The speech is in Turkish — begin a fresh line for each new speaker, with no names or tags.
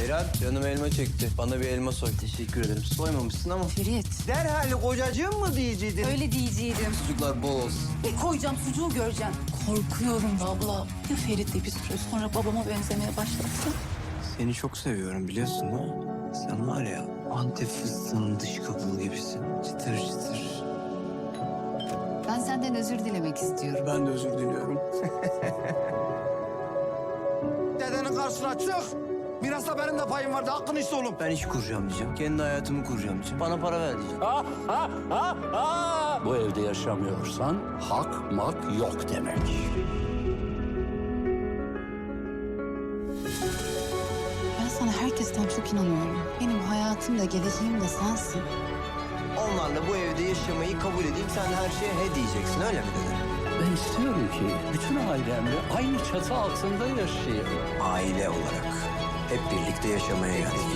Ceylan, canım elma çekti. Bana bir elma soy. Teşekkür ederim. Soymamışsın ama.
Ferit.
Derhal kocacığım mı diyeceydin?
Öyle diyeceydim.
Sucuklar bol olsun.
Bir koyacağım sucuğu göreceğim. Korkuyorum abla. Ya Ferit de bir süre sonra babama benzemeye başlarsa?
Seni çok seviyorum biliyorsun değil mi? Sen var ya Antep fıstığının dış kabuğu gibisin. Çıtır çıtır.
Ben senden özür dilemek istiyorum.
Ben de özür diliyorum.
Dedenin karşısına çık. Biraz da benim de payım vardı. Hakkını iste oğlum.
Ben iş kuracağım diyeceğim. Kendi hayatımı kuracağım diyeceğim. Bana para ver diyeceğim.
Bu evde yaşamıyorsan hak mak yok demek.
Ben sana herkesten çok inanıyorum. Benim hayatım da geleceğim de sensin.
Onlarla bu evde yaşamayı kabul edeyim. Sen her şeye he diyeceksin öyle mi dede?
Ben istiyorum ki bütün ailemle aynı çatı altında yaşayayım.
Aile olarak hep birlikte yaşamaya geldik.